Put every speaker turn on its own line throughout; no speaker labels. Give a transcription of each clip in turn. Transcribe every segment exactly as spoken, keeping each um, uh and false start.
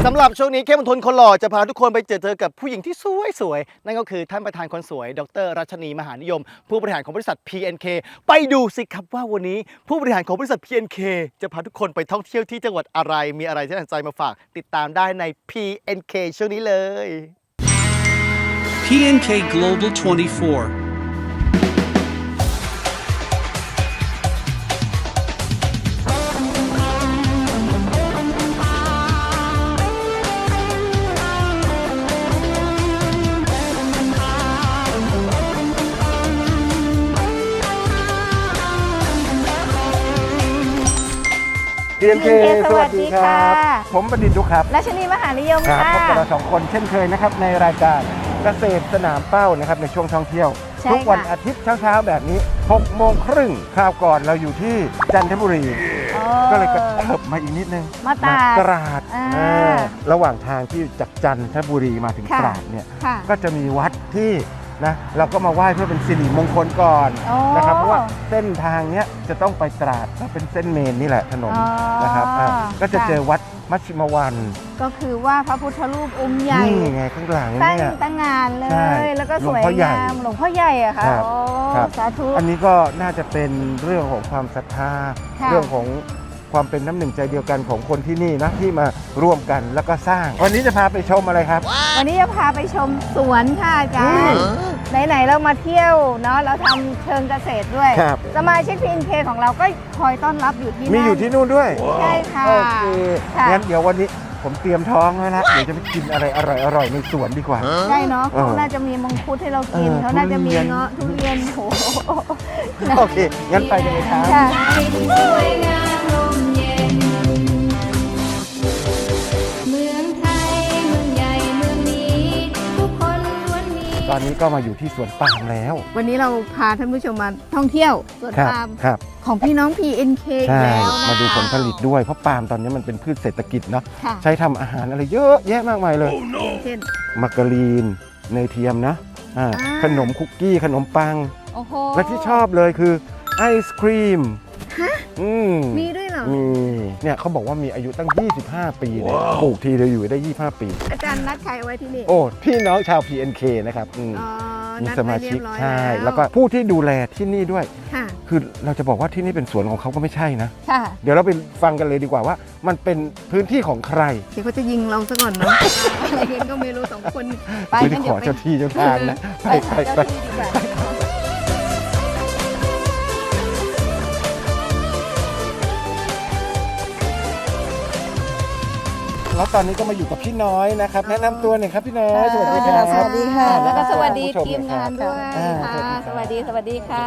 สำหรับช่วงนี้เข้มมนทนคนหล่อจะพาทุกคนไปเจอเจอกับผู้หญิงที่สวยๆนั่นก็คือท่านประธานคนสวยดร.รัชนีมหานิยมผู้บริหารของบริษัท พี เอ็น เค ไปดูสิครับว่าวันนี้ผู้บริหารของบริษัท พี เอ็น เค จะพาทุกคนไปท่องเที่ยวที่จังหวัดอะไรมีอะไรที่น่าสนใจมาฝากติดตามได้ใน พี เอ็น เค ช่วงนี้เลย
พี เอ็น เค Global ยี่สิบสี่
พี เอ็น เค สวัสดีครับผมบัณฑิตดุครับ
รัชนีมหานิยม
ครับ
ค่ะ
พบกับเราสองคนเช่นเคยนะครับในรายการเกษตรสนามเป้านะครับในช่วงท่องเที่ยวทุกวันอาทิตย์เช้าๆแบบนี้หกโมงครึ่งคราวก่อนเราอยู่ที่จันทบุรีก็เลยกระเถิบมาอีกนิดนึง
มาตราด
ตราดระหว่างทางที่จากจันทบุรีมาถึงตราดเนี่ยก็จะมีวัดที่นะเราก็มาไหว้เพื่อเป็นสิริมงคลก่อนนะครับเพราะว่าเส้นทางเนี้ยจะต้องไปตราดก็เป็นเส้นเมนนี่แหละถนนนะครับก็จะเจอวัดมัชชิมวัน
ก็คือว่าพระพุทธรูปองค์ใหญ่
นี่ไงข้างหลังเนี่ย
ตั้งงานเลยแล้วก็สวยงามหลวงพ่อใหญ่อะค่ะโอ้สาธุ
อันนี้ก็น่าจะเป็นเรื่องของความศรัทธาเรื่องของความเป็นน้ำหนึ่งใจเดียวกันของคนที่นี่นะที่มาร่วมกันแล้วก็สร้างวันนี้จะพาไปชมอะไรครับ
วันนี้จะพาไปชมสวนค่ะอาจารย์ไหนๆเรามาเที่ยวเนาะเราทำเชิงเกษตรด้วยสมาชิก พี เอ็น เค ของเราก็คอยต้อนรับอยู่ที่
มีอยู่ที่นู่นด้วย
ใช่ค่ะ
โอเคงั้นเดี๋ยววันนี้ผมเตรียมท้องไว้แล้วเดี๋ยวจะไปกินอะไรอร่อยๆในสวนดีกว่า
ใช่เนาะเขาน่าจะมีมังคุดให้เรากินเขาน่าจะมีเงาะทุเรียนโห
โอเคงั้นไปเลยครับตอนนี้ก็มาอยู่ที่สวนปาล์มแล้ว
วันนี้เราพาท่านผู้ชมมาท่องเที่ยวสวนปาล์มของพี่น้อง พี เอ็น เค
ใช่
แล้วนะ
มาดูผลผลิตด้วยเพราะปาล์มตอนนี้มันเป็นพืชเศรษฐกิจเนาะใช้ทำอาหารอะไรเยอะแยะมากมายเลยเช่นมาการีนเนยเทียมนะขนมคุกกี้ขนมปังและที่ชอบเลยคือไอศครีม
มีด้วยเหรอ
มีเนี่ยเขาบอกว่ามีอายุตั้งยี่สิบห้าปีเลยปลูกทีเดียวอยู่ได้ยี่สิบห้าปี
อาจารย์นัดใครไว้ที่นี่
โอ้พี่น้องชาว พี เอ็น เค นะครับมีสมาชิกใช่แล้วก็ผู้ที่ดูแลที่นี่ด้วยคือเราจะบอกว่าที่นี่เป็นสวนของเขาก็ไม่ใช่นะเดี๋ยวเราไปฟังกันเลยดีกว่าว่ามันเป็นพื้นที่ของใคร
เดี๋ยวเขาจะยิงเราซะก่อนเนาะอะไรกันก็ไม่รู้สองคน
ไปกันเดี๋ยวไปขอเจ้าที่เจ้าทางนะไปไปไปแล้วตอนนี้ก็มาอยู่กับพี่น้อยนะครับแนะนำตัวหน่อยครับพี่น้อยสวัสดีครับ
สวัสดีค่ะแล้วก็สวัสดีทีมงานด้วยค่ะสวัสดีสวัสดีค่ะ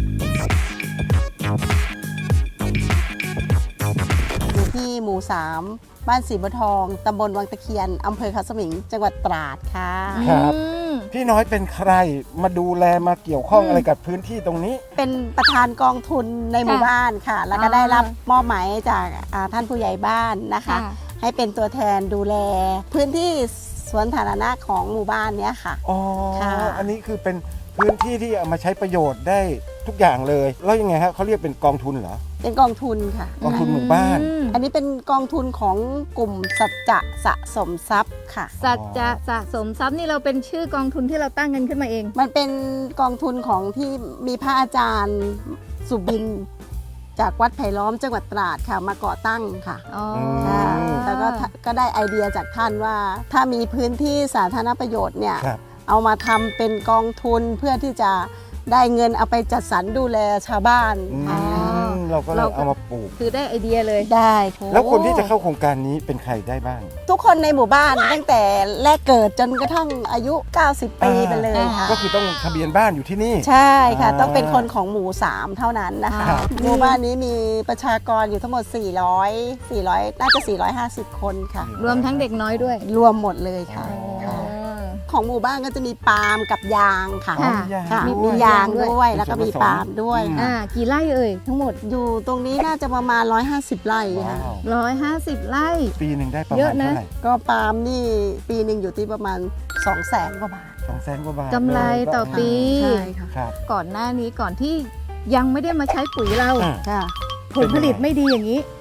อยู่ที่หมู่สามบ้านศรีบัวทองตำบลวังตะเคียนอำเภอเขาสมิงจังหวัดตราดค่ะ
ครับพี่น้อยเป็นใครมาดูแลมาเกี่ยวข้องอะไรกับพื้นที่ตรงนี้
เป็นประธานกองทุนในหมู่บ้านค่ะแล้วก็ได้รับมอบหมายจากท่านผู้ใหญ่บ้านนะคะให้เป็นตัวแทนดูแลพื้นที่สวนสาธารณะของหมู่บ้านเนี้ยค่ะ
อ๋ออันนี้คือเป็นพื้นที่ที่เอามาใช้ประโยชน์ได้ทุกอย่างเลยแล้วยังไงครับเขาเรียกเป็นกองทุนเหรอ
เป็นกองทุนค่ะ
กองทุนหมู่บ้าน
อันนี้เป็นกองทุนของกลุ่มสัจจะสะสมทรัพย์ค่ะ
สัจจะสะสมทรัพย์นี่เราเป็นชื่อกองทุนที่เราตั้งกันขึ้นมาเอง
มันเป็นกองทุนของที่มีพระอาจารย์สุบินจากวัดไผ่ล้อมจังหวัดตราดค่ะมาก่อตั้งค่ะแล้วก็ก็ได้ไอเดียจากท่านว่าถ้ามีพื้นที่สาธารณประโยชน์เนี่ยเอามาทำเป็นกองทุนเพื่อที่จะได้เงินเอาไปจัดสรรดูแลชาวบ้าน
เราก็เลยเอามาปลูก
คือได้ไอเดียเลย
ได้
แล้วคนที่จะเข้าโครงการนี้เป็นใครได้บ้าง
ทุกคนในหมู่บ้านตั้งแต่แรกเกิดจนกระทั่งอายุเก้าสิบปีไปเลยค่ะ
ก็คือต้องทะเบียนบ้านอยู่ที่นี่
ใช่ค่ะต้องเป็นคนของหมู่สามเท่านั้นนะคะหมู่บ้านนี้มีประชากรอยู่ทั้งหมดสี่ร้อย สี่ร้อยน่าจะสี่ร้อยห้าสิบคนค่ะ
รวมทั้งเด็กน้อยด้วย
รวมหมดเลยค่ะของหมู่บ้านก็จะมีปาล์มกับยางค่ะมียางด้วยแล้วก็มีปาล์มด้วย
อ่ากี่ไร่เอ่ยทั้งหมด
อยู่ตรงนี้น่าจะประมาณหนึ่งร้อยห้าสิบไร่ค่ะ
หนึ่งร้อยห้าสิบไร่
ปีหนึ่งได้ประมาณเท่าไหร่
ก็ปาล์มนี่ปีหนึ่งอยู่ที่ประมาณสองแสนกว่าบาท
สองแสนกว่าบาท
กำไรต่อปี
ใช่
ค่ะก่อนหน้านี้ก่อนที่ยังไม่ได้มาใช้ปุ๋ยเราผลผลิตไม่ดีอย่างนี้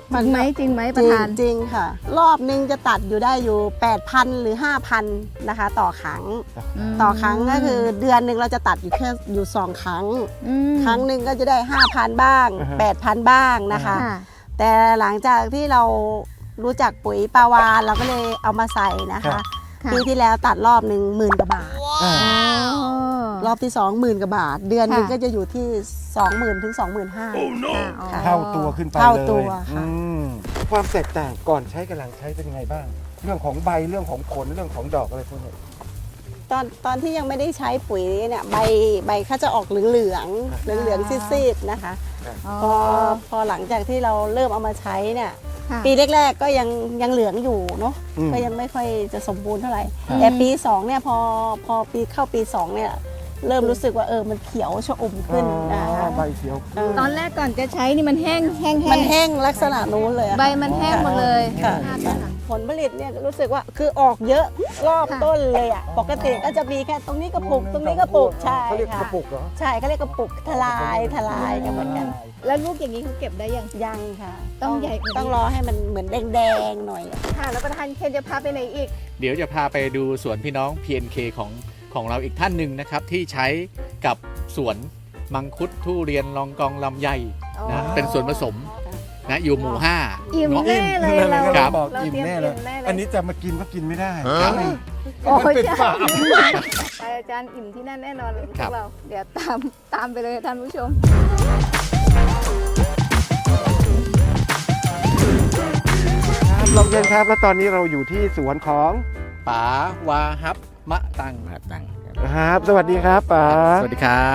มัน
จริงไหมจริงไหมประธาน
จริงๆค่ะ รอบนึงจะตัดอยู่ได้อยู่ แปดพัน หรือ ห้าพัน นะคะ ต่อครั้ง
ม
ต่อครั้งก็คือเดือนหนึ่งเราจะตัดอยู่แค่อยู่สองครั้ง
อืม
ครั้งหนึ่งก็จะได้ ห้าพัน บ้าง
อ่าฮะ
แปดพัน บ้างนะคะ
ค่ะ
แต่หลังจากที่เรารู้จักปุ๋ยปลาวานเราก็เลยเอามาใส่นะ
ครั
คะ
บ
ค่ะ
ปีที่แล้วตัดรอบหนึ่งหมื่นกว่าบาท
อ่า
อ๋อ
รอบที่สองหมื่นกว่าบาท เดือนหนึง
ค่ะ
ก็จะอยู่ที่ สองหมื่น ถึง สองหมื่นห้าพัน ค่ะ
เท่าตัวขึ้นไปเลย
เท่าตัวค่ะ
อืมความแตกต่างก่อนใช้กับหลังใช้เป็นยังไงบ้าง เรื่องของใบเรื่องของผลเรื่องของดอกอะไรพวกนี้
ตอนตอนที่ยังไม่ได้ใช้ปุ๋ยเนี่ยใบใบเขาจะออกเหลืองเหลืองเหลืองเหลืองๆซีดๆนะคะ พอพอหลังจากที่เราเริ่มเอามาใช้เนี่ย
ค่ะ
ปีแรกๆก็ยังยังเหลืองอยู่เนาะ
อืม
ก็ยังไม่ค่อยจะสมบูรณ์เท่าไหร่
ครับ
แต่ปีสองเนี่ยพอพอปีเข้าปีสองเนี่ยเริ่มรู้สึกว่าเออมันเขียวชอุ่มขึ้นนะ
อ๋อ
คะ
ใบเขียว
เออ
ตอนแรกก่อนจะใช้นี่มันแห้งแห้ง
มันแห้งลักษณะนู้นเลยอะ
ใบมันแห้งหมดเลย
ค่ะ
ภาพนั้นค่ะ
ผลผลิตเนี่ยรู้สึกว่าคือออกเยอะรอบ
ค่ะ
ต้นเลยอ่ะปกติก็จะมีแค่ตรงนี้กระปุกตรงนี้กระปุกใช่
เขาเรียกก
ค่ะ
ระปุกเหรอ
ใช่เขาเรียกกระปุกทลายทลายกันเหมือนกัน
แล้วลูกอย่างนี้เขาเก็บได้ยัง
ยังค่ะ
ต้องใหญ่กว่านี้
ต้องรอให้มันเหมือนแดงๆหน่อยอะ
ค่ะ แล้วประธานเคนจะพาไปไหนอีก
เดี๋ยวจะพาไปดูสวนพี่น้อง พี เอ็น เค ของของเราอีกท่านหนึ่งนะครับ ที่ใช้กับสวนมังคุดทุเรียนลองกองลำไย
อ๋อ
นะเป็นส่วนผสมนะอยู่หมู่ห้า
อิ่ม
เงาะ
แน่เลยเรา
ครับ
บอก
เรา
อิ่ม
เตรียม
แน่เลย
อิ่มแน่เลย
อันนี้จะมากินก็กินไม่ได้
ครับ
โอ้
มัน
ย
เป็นฝา
ไปอาจารย์อิ่มที่นั่นแน่นอนพ
ครั
ว
บ
กเรา เดี๋ยวตามตามไปเลยท่านผู้ชม
ครับลองเย็นครับ แล้วตอนนี้เราอยู่ที่สวนของ
ป๋าวาฮับมะตังมะตัง
ครับ สวัสดีครับป๋า
สวัสดีครับ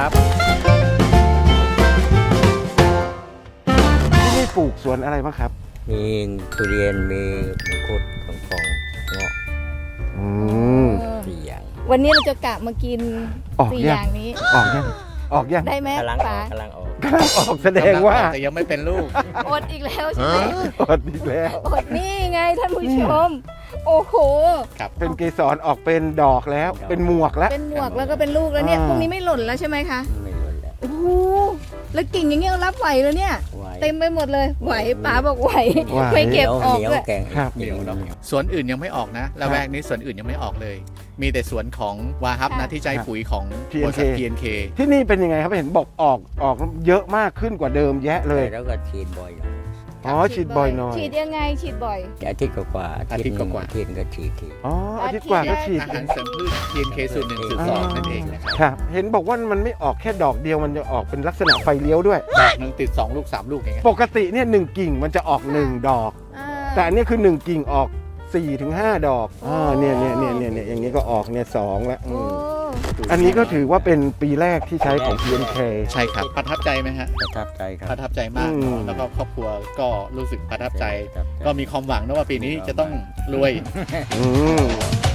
ที่นี่ปลูกสวนอะไรบ้างครับ
มีทุเรียนมีมังคุดของฟองเงาะ
อืม
สี่อย่าง
วันนี้เราจะกะมากิน
ออก
สี่
ยัง
อย่างนี้
ออกยังออกยัง
ได้ไหม
กำลังอ
ป๋า
อกกำลังออก
กำลังออกแสดงว่า
แต่ยังไม่เป็นลูก
อดอีกแล้วใช่ไหม
อดอีกแล้ว
อดนี่ไงท่านผู้ชม โอ้โห
เป็นเกสรออกเป็นดอกแล้ว เป็นหมวกแล้ว
เป็นหมวกแล้วก็เป็นลูกแล้วเนี่ย
อ่า
พวกนี้ไม่หล่นแล้วใช่ไหมคะ
ไม่หมดแล้ว
โอ้โห แล้วกิ่งอย่างเงี้ยรับไหวเลยเนี่ย
ไว้
เต็มไปหมดเลย ไหวป๋าบอกไหว
ไหว
ไม่เก็บออก
เหนียว
ด้วย
แกง
ครับ
เหนียวเนาะ
สวนอื่นยังไม่ออกนะละแวกนี้สวนอื่นยังไม่ออกเลย มีแต่สวนของวาฮับนะที่ใจปุ๋ยของบริษัท พี เอ็น เค
ที่นี่เป็นยังไงครับเห็นบอกออกออกเยอะมากขึ้นกว่าเดิมแยะเลย
แล้วก็ฉีดบ่อยหน่อย
อ๋อฉีดบ่อยหน่อย
ฉีดยังไง ฉีดบ่อย
อาทิตย์กว่าๆ
อาทิตย์กว่าๆ
อาทิตย์ก็ฉีดที
อ๋ออาทิตย์กว่าก็ฉีด
อาหารเสริมพืช พี เอ็น เค สูตรหนึ่งสูตรสองนั่นเองนะครับ
ครับ เห็นบอกว่ามันไม่ออกแค่ดอกเดียวมันจะออกเป็นลักษณะไฟเลี้ยวด้วย
ดอกหนึ่งติดสองลูกสามลูกอย่างเงี้ย
ปกติเนี่ยหนึ่งกิ่งมันจะออกหนึ่งดอก
อ่า
แต่อันนี้คือหนึ่งกิ่งออกสี่ถึงห้าดอกอ่าเนี่ยเนี่ยเนี่ยเนี่ยเนี่ยอย่างนี้ก็ออกเนี่ยสองแล้วอื
โอ้
มอันนี้ก็ถือว่าเป็นปีแรกที่ใช้ของ พี เอ็น เค
ใช่ครับ ประทับใจไหมฮะ
ประทับใจครับ
ประทับใจมาก
อืม
แล้วก็ครอบครัวก็รู้สึกประทับใจ
ประทับใจ
ก็มีความหวังนะว่าปีนี้จะต้องรวย
อืม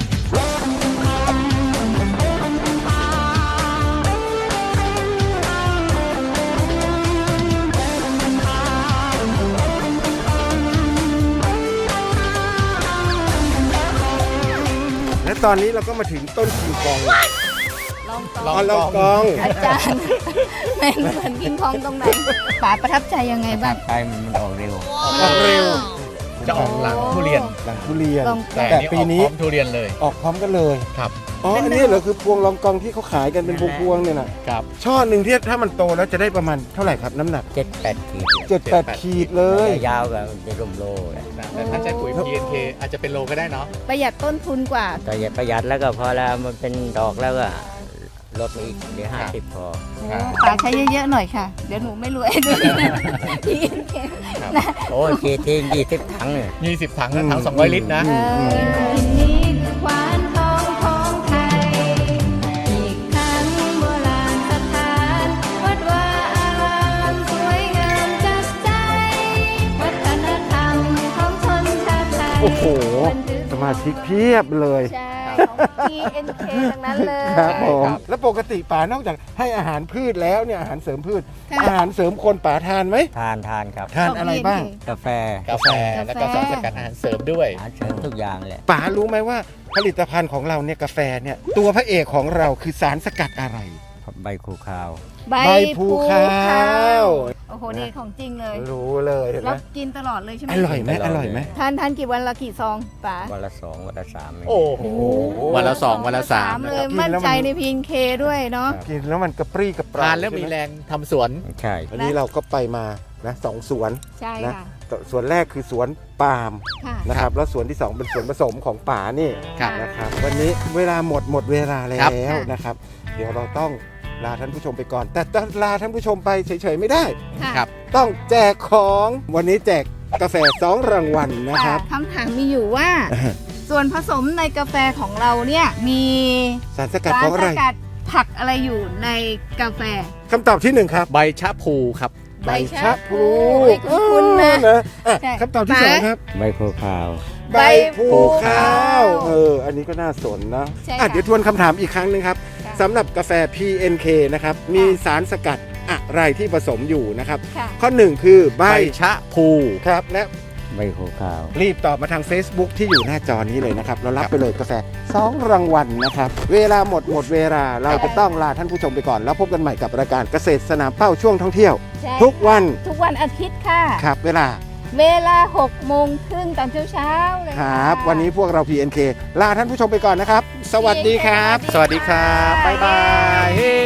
และตอนนี้เราก็มาถึงต้นคิงกอง
ลอง
ล
ต่
อ
อ๋อลองกอง
อาจารย์เป็นเหมือนกินทองตรงไหนป๋าประทับใจยังไงบ้าง
ไปมันออกเร็ว
ออกเร็ว
จะออกหลังทุเรียน
หลังทุเรียน
ลอง
แต่
แต่
อันนี้
ปี
ออก
นี้
พร้อมทุเรียนเลย
ออกพร้อมกันเลย
ครับ
อ๋อ อันนี้เหรอคือพวงลองกองที่เขาขายกันเป็นพวงๆเนี่ยนะครับ ช่อหนึ่งที่ถ้ามันโตแล้วจะได้ประมาณเท่าไหร่ครับน้ำหนัก
เจ็ดแปดขีด
เจ็ดแปดขีดเลย
ยาวกับจะร่มโลเลย
นะแต่ถ้าใช้ปุ๋ย พี เอ็น เค อาจจะเป็นโลก็ได้เนาะ
ประหยัดต้นทุนกว่า
แต่อย่าประหยัดแล้วก็พอแล้วมันเป็นดอกแล้วก็ลดมาอีกเหลือห้าสิบพอ
ป๋าใช้เยอะๆหน่อยค่ะ เดี๋ยวหนูไม่รวยด้วยพี่เคน
โอ้ยขีดทิ้งยี่สิบถังเนี่ย
ยี่สิบถังนะถังสองร้อยลิตรนะ
เออนี่ควานทองของไทย อีกทั้งโบราณสถานวัดวาอารามสวยงามจับใจ วัฒนธรรมของชนชาติไทย
โอ้โห สมาชิกเพียบเลย
ใช่ของ พี เอ็น เค ทั้งนั้นเลย
ครับผม
ครับ
แล้วปกติป๋านอกจากให้อาหารพืชแล้วเนี่ยอาหารเสริมพืช
ค่ะ
อาหารเสริมคนป๋าทานไหม
ทานทานครับ
ทานอะไรบ้าง
กาแฟ
กาแฟแล้วก็สารสกัดอาหารเสริมด้วย
อาหารเสริมทุกอย่างแหละ
ป๋ารู้ไหมว่าผลิตภัณฑ์ของเราเนี่ยกาแฟเนี่ยตัวพระเอกของเราคือสารสกัดอะไร
ใบคูคาว
ใบ
ใบภูคาว
โอ้โห
นี่ของจริงเลย
รู้เลยเห็นไห
แล้
ม
วกินตลอดเลยใช่ไหม
อร่อยไหมอร่อยไหม
ทานทานกี่วันละกี่ซองป๋า
วันละสองวันละสามเอง
โอ้โห
วันละสองวันละสาม
เล
นะค
ย
รับ
มั่นใจในพีนเคด้วยเนาะ
กินแล้วมันกระปรี้กระเปร่า
ทานแล้วมี
ใช่ไห
แรงทำสวน
ใช่
วันนี้เราก็ไปมานะสองสวน
ใช่
นะ
ค่ะ
สวนแรกคือสวนปาล์ม
ค่ะ
นะครับแล้วสวนที่สองเป็นสวนผสมของป่านี่
ครับ
นะครับวันนี้เวลาหมดหมดเวลาแล้
ครับ
วนะครับ เดี๋ยวเราต้องลาท่านผู้ชมไปก่อน แต่จะลาท่านผู้ชมไปเฉยๆไม่ได้
ค่ะ
ครับ
ต้องแจกของวันนี้แจกกาแฟสองรางวัลนะครับ
คำถามมีอยู่ว่า ส่วนผสมในกาแฟของเราเนี่ยมี
สารสกัด
สาร
ของอะ
ส
ไร
กัดผักอะไรอยู่ในกาแฟ
คำตอบที่หนึ่งครับ
ใบชะพูครับ
ใบชะพลู
เออ
คุณนะ
นะอ่ะ
ใช่
คำตอบที่สองครับ
ใบโพขาว
ใบผูขาวเอออันนี้ก็น่าสนนะ
ใช่
อ่ะ
ค่ะ
เดี๋ยวทวนคำถามอีกครั้งหนึงครับ
ค่ะ
สำหรับกาแฟ พี เอ็น เค นะครับมีสารสกัดอะไรที่ผสมอยู่นะครับ
ค่ะ
ข้อหนึ่งคือใบ
ใบชะพู
ครับและ
ใบโพขาว
รีบตอบมาทาง Facebook ที่อยู่หน้าจอนี้เลยนะครับ เรารับไปเลยกาแฟสองรางวัลนะครับ เวลาหมดหมดเวลาเราจะต้องลาท่านผู้ชมไปก่อน แล้วพบกันใหม่กับรายการเกษตรสนามเป้าช่วงท่องเที่ยว
ใช่
ทุกวัน
ทุกวันอาทิตย์ค่ะ
ครับ เวลา
เวลาหกโมงครึ่งตอนเช้าๆเลย
ค
ค่ะ
รับ วันนี้พวกเรา พี เอ็น เค ลาท่านผู้ชมไปก่อนนะครับ สวัสดีครับ
สวัสดีครับ บ๊ายบายเฮ้